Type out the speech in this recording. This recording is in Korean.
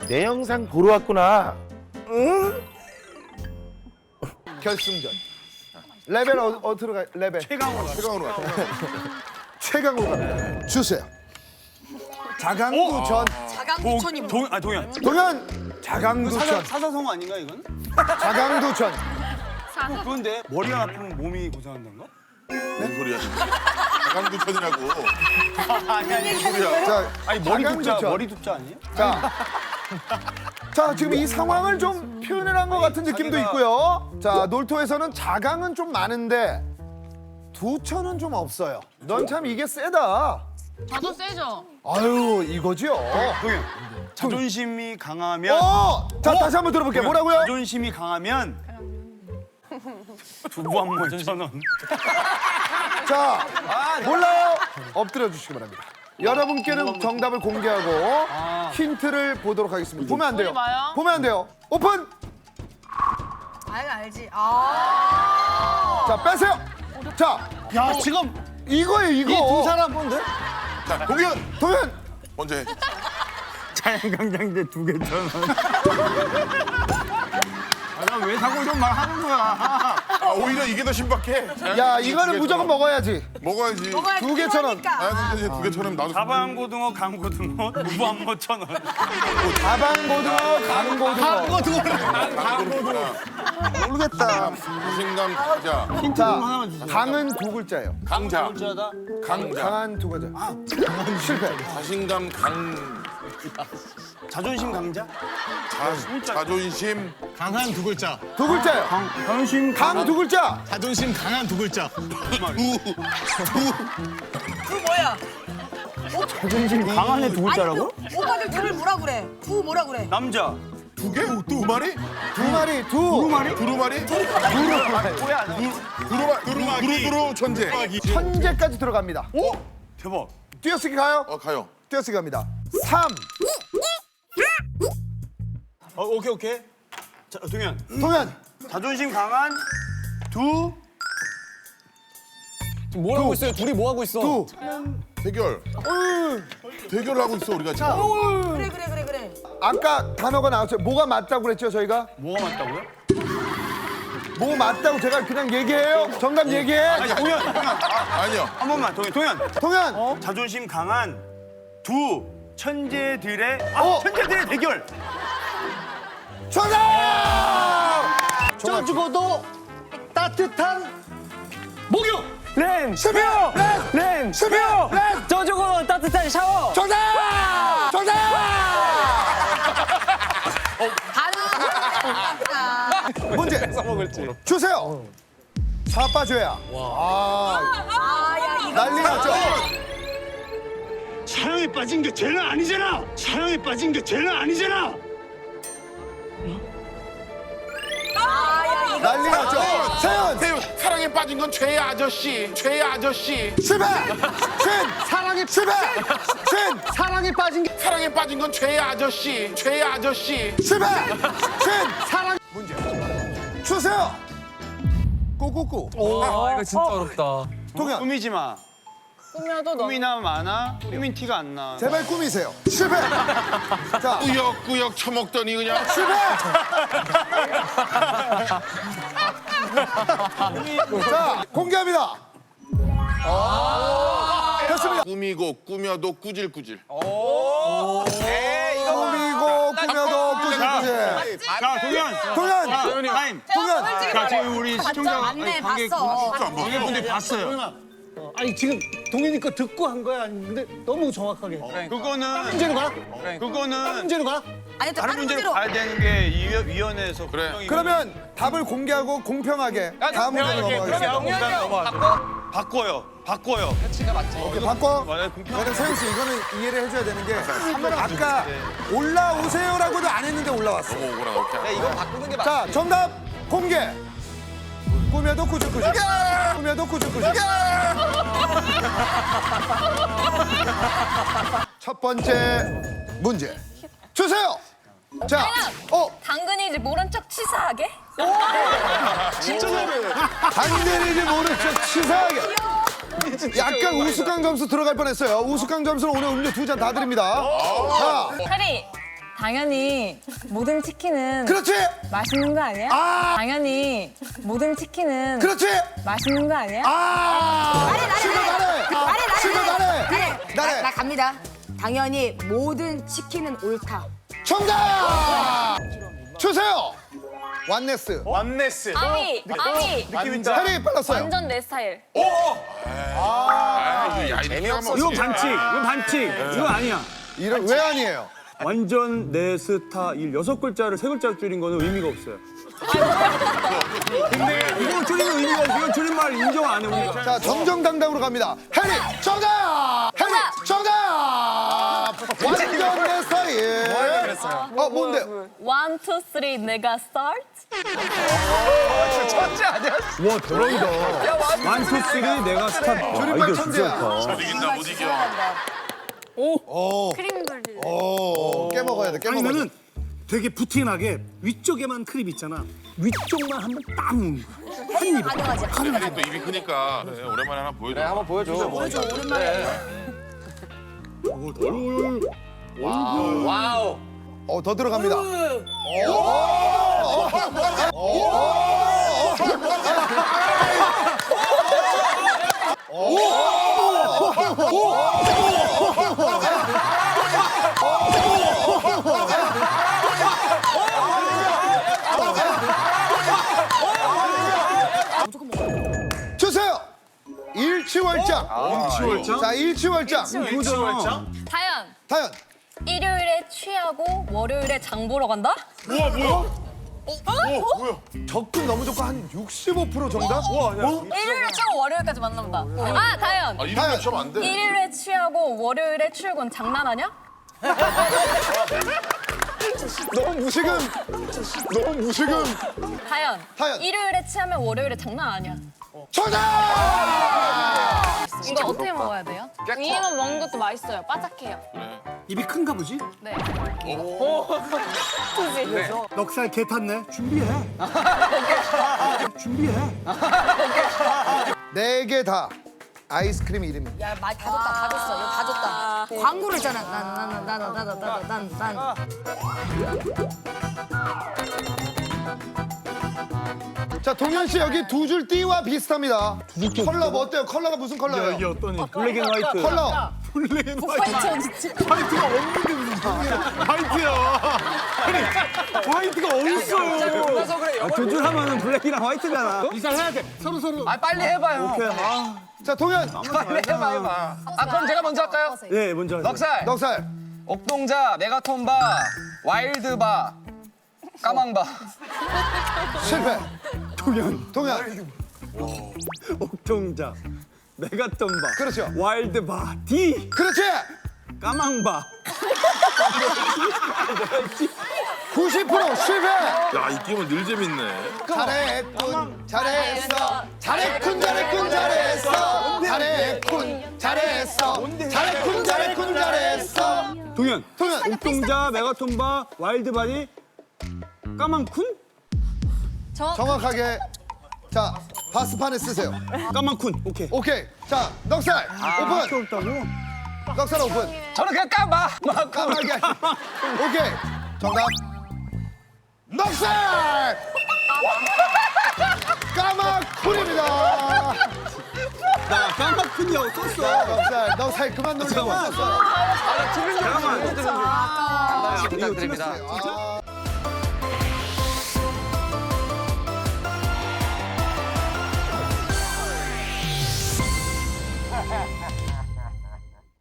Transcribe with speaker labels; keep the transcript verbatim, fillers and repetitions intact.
Speaker 1: 내 영상 보러 왔구나. 응?
Speaker 2: 결승전. 레벨 어, 어디로 가? 레벨.
Speaker 3: 최강으로
Speaker 2: 최강으로 가. 최강으로 갑니다. 주세요. 자강두천.
Speaker 4: 자강두천이 뭐?
Speaker 3: 동, 아 동현.
Speaker 2: 동현 자강두천.
Speaker 3: 사자, 사자성어 아닌가 이건?
Speaker 2: 자강두천.
Speaker 3: 그런데 머리가 아프면 몸이 고생한다는가?
Speaker 5: 무슨 소리야? 강두천이라고.
Speaker 3: 아니 아니
Speaker 5: 소리야.
Speaker 2: 자,
Speaker 3: 아니 머리 둡자
Speaker 2: 자강두천.
Speaker 3: 머리 둡자 아니에요?
Speaker 2: 자, 자 지금 이 상황을 좀 표현을 한 것 같은 느낌도 있고요. 자, 놀토에서는 자강은 좀 많은데 두천은 좀 없어요. 넌 참 이게 세다.
Speaker 4: 저도 세죠.
Speaker 2: 아유, 이거지요.
Speaker 3: 동현. 자존심이 강하면
Speaker 2: 어! 자, 다시 한번 들어볼게요. 뭐라고요?
Speaker 3: 자존심이 강하면 두부 한 번 천 원.
Speaker 2: 자, 몰라요? 엎드려 주시기 바랍니다. 여러분께는 정답을 공개하고 힌트를 보도록 하겠습니다. 보면 안 돼요.
Speaker 4: 보지 마요.
Speaker 2: 보면 안 돼요. 오픈!
Speaker 4: 알 알지. 아.
Speaker 2: 자, 빼세요. 자,
Speaker 3: 야 지금
Speaker 2: 이거예요, 이거.
Speaker 3: 이 두 사람 뭔데?
Speaker 5: 자, 동현
Speaker 2: 동현!
Speaker 5: 먼저 해.
Speaker 3: 자연강장제 두 개 천 원. 아나왜 자꾸 이런 말 하는 거야?
Speaker 5: 아, 오히려 이게 더 신박해.
Speaker 2: 야, 이거는 무조건 먹어야지.
Speaker 5: 먹어야지.
Speaker 4: 먹어야지.
Speaker 2: 두 개 천 원.
Speaker 5: 아, 근데 두 개 천원 나도.
Speaker 3: 사방고등어, 강고등어, 두부 한 번 천 원.
Speaker 2: 다방고등어, 강고등어.
Speaker 5: 강고등어.
Speaker 2: 모르겠다.
Speaker 5: 자신감 가자.
Speaker 2: 자, 강은 두 글자예요.
Speaker 5: 강자.
Speaker 3: 진짜다.
Speaker 5: 강자.
Speaker 2: 강한 두 글자. 아, 실패.
Speaker 5: 자신감 강.
Speaker 3: 자존심 강자?
Speaker 5: 자, 자존심.
Speaker 6: 강한 두 글자.
Speaker 2: 두 글자예요.
Speaker 3: 자존심
Speaker 2: 강 두 글자.
Speaker 6: 자존심 강한 두 글자.
Speaker 4: 그 뭐야?
Speaker 3: 자존심 강한의 두 글자라고?
Speaker 4: 오빠들 둘을 뭐라 그래? 두 뭐라 그래?
Speaker 3: 남자.
Speaker 5: 두 개? 두 마리?
Speaker 2: 두 마리, 두. 두 마리?
Speaker 5: 두루마리?
Speaker 3: 뭐야?
Speaker 5: 두루마, 두루, 두루두루 천재.
Speaker 2: 천재까지 들어갑니다.
Speaker 3: 오! 대박.
Speaker 2: 띄어쓰기 가요?
Speaker 5: 어, 가요.
Speaker 2: 띄어쓰기 갑니다. 삼.
Speaker 3: 어, 오케이 오케이. 자, 동현.
Speaker 2: 동현.
Speaker 3: 자존심 강한 두.
Speaker 6: 뭐 하고 있어요? 둘이 뭐 하고 있어?
Speaker 2: 두.
Speaker 5: 대결. 대결을 하고 있어, 우리가 지금.
Speaker 4: 그래 그래 그래 그래.
Speaker 2: 아까 단어가 나왔어요. 뭐가 맞다고 그랬죠, 저희가?
Speaker 3: 뭐가 맞다고요?
Speaker 2: 뭐 맞다고 제가 그냥 얘기해요? 정답 얘기해.
Speaker 3: 아니, 동현, 동현. 아,
Speaker 5: 아니요.
Speaker 3: 한 번만, 동현, 동현.
Speaker 2: 동현.
Speaker 3: 자존심 강한 두 천재들의 아,
Speaker 2: 어.
Speaker 3: 천재들의 대결.
Speaker 2: 정답!
Speaker 6: 쪄 죽어도 따뜻한 목욕.
Speaker 7: 렌!
Speaker 2: 실패! 렌!
Speaker 7: 렌!
Speaker 2: 실패! 렌!
Speaker 7: 쪄 죽어 따뜻한 샤워!
Speaker 2: 정답! 정답!
Speaker 4: 가능.
Speaker 2: 문제 주세요. 자빠져야. 아,
Speaker 4: 아야 이거.
Speaker 2: 난리 났죠?
Speaker 6: 사랑에 빠진 게 죄는 아니잖아. 사랑에 빠진 게 죄는 아니잖아.
Speaker 4: 아야 이거.
Speaker 2: 난리 났죠? 세윤!
Speaker 5: 태우, 사랑에 빠진 건 죄의 아저씨. 죄의 아저씨.
Speaker 2: 실패! 신! 사랑이 실패! 신! 사랑이 빠진 게
Speaker 5: 사랑에 빠진 건 죄의 아저씨. 죄의 아저씨.
Speaker 2: 실패! 신! 사랑 문제 주세요. 꾸꾸꾸.
Speaker 7: 아, 이거 진짜 어렵다.
Speaker 2: 동현
Speaker 3: 꾸미지 마.
Speaker 4: 꾸며도 너.
Speaker 3: 꾸미나 마나 꾸민 티가 안 나.
Speaker 2: 제발 꾸미세요. 실패! 자,
Speaker 5: 꾸역꾸역 처먹더니 그냥.
Speaker 2: 실패! 자, 공개합니다. 됐습니다.
Speaker 5: 꾸미고 꾸며도 꾸질꾸질.
Speaker 2: 꾸미고 꾸며도 꾸질꾸질.
Speaker 3: 자, 동현.
Speaker 2: 동현!
Speaker 3: 타임.
Speaker 2: 동현!
Speaker 3: 자, 지금 우리 시청자
Speaker 4: 맞네
Speaker 3: 관객
Speaker 4: 봤어.
Speaker 3: 관객분들 봤어요.
Speaker 6: 아니 지금 동현이 거 듣고 한 거야. 근데 너무 정확하게.
Speaker 3: 그거는
Speaker 6: 문제로 가.
Speaker 3: 그거는
Speaker 6: 문제로 가.
Speaker 4: 아니 또
Speaker 3: 다른
Speaker 4: 다른
Speaker 3: 문제로
Speaker 4: 문제로.
Speaker 3: 가야 되는 게 위- 위원회에서
Speaker 5: 그래.
Speaker 3: 국정이-
Speaker 2: 그러면 답을 공개하고 공평하게 다음 문제로 넘어가겠습니다.
Speaker 3: 바꿔. 바꿔요. 바꿔요.
Speaker 2: 오케이, 바꿔.
Speaker 3: 맞아요. 공평.
Speaker 2: 왜냐면 서영 씨 이거는 이해를 해줘야 되는 게 아까 올라오세요라고도 안 했는데 올라왔어.
Speaker 5: 너무 오거나 이렇게.
Speaker 2: 자, 정답 공개. 꾸며도 꾸질꾸질. 꾸며도 꾸질꾸질. 첫 번째 문제 주세요. 자, 어,
Speaker 4: 당근이지 모른 척 치사하게.
Speaker 2: 당대리지 모른 척 치사하게. 약간 우스꽝 점수 들어갈 뻔했어요. 우스꽝 점수는 오늘 음료 두 잔 다 드립니다. 자,
Speaker 4: 해리 당연히 모든 치킨은
Speaker 2: 그렇지.
Speaker 4: 맛있는 거 아니야?
Speaker 2: 아.
Speaker 4: 당연히 모든 치킨은
Speaker 2: 그렇지.
Speaker 4: 맛있는 거 아니야?
Speaker 2: 아.
Speaker 8: 나래 나래
Speaker 2: 실패 나래.
Speaker 8: 나래
Speaker 2: 실패
Speaker 8: 나래
Speaker 2: 나래.
Speaker 8: 나래
Speaker 2: 나래.
Speaker 8: 나 갑니다. 당연히 모든 치킨은 옳다.
Speaker 2: 정답. 주세요. 완네스.
Speaker 3: 완네스.
Speaker 4: 아미, 아미.
Speaker 3: 느낌 있다.
Speaker 2: 해리 빨랐어요.
Speaker 4: 완전 내 스타일.
Speaker 5: 아, 야, 이렇게 하면
Speaker 3: 이거
Speaker 5: 어떡해.
Speaker 3: 반칙. 이거 반칙. 이거 아니야.
Speaker 2: 이런 왜 아니에요?
Speaker 3: 완전 내 스타일 여섯 글자를 세 글자로 줄인 거는 의미가 없어요. 근데 이거 줄이면 의미가 없어. 이건 줄임말 인정 안 해 우리가.
Speaker 2: 자, 정정당당으로 갑니다. 해리 정답. 해리 정답. 완전 내 스타일. 어, 뭔데?
Speaker 4: 원, 투, 쓰리, 내가 스타트?
Speaker 3: 와 대박이다. 완투 쓰리 내가 스타.
Speaker 2: 줄임말 천재야.
Speaker 5: 못 이긴다, 못 이겨.
Speaker 4: 크림블리.
Speaker 2: 오, 깨먹어야 돼. 깨먹어야 돼.
Speaker 6: 아니면은 되게 부티나게 위쪽에만 크림 있잖아. 위쪽만 한번 딱 먹는 거야. 한 입에.
Speaker 8: 가능하지.
Speaker 5: 해리 또 입이 크니까. 그래, 오랜만에 하나 보여줘.
Speaker 7: 한번 보여줘.
Speaker 8: 보여줘 오랜만에.
Speaker 7: 와우.
Speaker 2: 어, 더 들어갑니다. 주세요. 일치월장.
Speaker 5: 일치월장?
Speaker 2: 자, 일치월장.
Speaker 3: 이거잖아.
Speaker 4: 다현,
Speaker 2: 다현.
Speaker 4: 일요일에 취하고 월요일에 장 보러 간다?
Speaker 5: 우와, 뭐야?
Speaker 2: 접근 너무 좋고 한 육십오 퍼센트 정답?
Speaker 4: 일요일에 취하고 월요일까지 만난다. 아, 다현.
Speaker 5: 아, 이런 거 좀 안 돼.
Speaker 4: 일요일에 취하고 월요일에 출근 장난하냐?
Speaker 2: 너무 무식은. 너무 무식은.
Speaker 4: 다현.
Speaker 2: 다현.
Speaker 4: 일요일에 취하면 월요일에 장난 아니야.
Speaker 2: 정답!
Speaker 4: 이거 어떻게 먹어야 돼요? 위에만 먹는 것도 맛있어요. 바삭해요.
Speaker 6: 입이 큰가 보지?
Speaker 4: 네.
Speaker 6: 넉살 개 탔네. 준비해. 준비해.
Speaker 2: 네 개 다 아이스크림 이름입니다.
Speaker 8: 야, 많이 다 줬다, 다 줬어. 이거 다 줬다. 광고를 했잖아. 난, 난, 난, 난, 난, 난, 난, 난, 난.
Speaker 2: 자, 동현 씨 여기 두 줄 띠와 비슷합니다. 컬러 뭐 어때요? 컬러가 무슨 컬러예요?
Speaker 3: 이게 어떤 블랙 앤 화이트.
Speaker 2: 컬러.
Speaker 3: 블랙 앤 화이트.
Speaker 4: 화이트 진짜.
Speaker 3: 화이트가 없는데 무슨 소리야. 화이트야. 아니 화이트가 어딨어요.
Speaker 7: 그래서 그래.
Speaker 3: 두 줄 하면은 블랙이랑 화이트잖아.
Speaker 6: 이사해야 돼. 서로 서로.
Speaker 7: 아 빨리 해봐요.
Speaker 3: 오케이. 아,
Speaker 2: 자, 동현.
Speaker 7: 빨리 해봐 해봐. 아 그럼 제가 먼저 할까요?
Speaker 3: 예, 먼저 하세요.
Speaker 7: 넉살,
Speaker 2: 넉살.
Speaker 7: 옥동자, 메가톤바, 와일드바, 까망바.
Speaker 2: 실패. 동현. 동현.
Speaker 3: 옥동자, 메가톤바,
Speaker 2: 그렇죠.
Speaker 3: 와일드바, D,
Speaker 2: 그렇지.
Speaker 3: 까망바.
Speaker 2: 구십 퍼센트 실패.
Speaker 5: 야, 이 게임은 늘 재밌네.
Speaker 2: 잘했군. 잘했어. 잘했군. 잘했군. 잘했어. 잘했군. 잘했어. 잘했군. 잘했군. 잘했어.
Speaker 3: 동현,
Speaker 2: 동현.
Speaker 3: 옥동자, 메가톤바, 와일드바니, 까망쿤?
Speaker 2: 정확하게. 자, 바스판에 쓰세요.
Speaker 3: 까망쿤. 오케이.
Speaker 2: 오케이. 자, 넉살. 오픈.
Speaker 3: 없다고?
Speaker 2: 넉살 오픈.
Speaker 7: 저는 그냥 까마.
Speaker 2: 까마귀 아니. 오케이. 정답. 넉살! 까마쿨입니다.
Speaker 3: 나 까망쿤이라고 썼어.
Speaker 2: 넉살, 넉살 그만 놀라고 왔었어.
Speaker 3: 잠깐만.
Speaker 7: 부탁드립니다.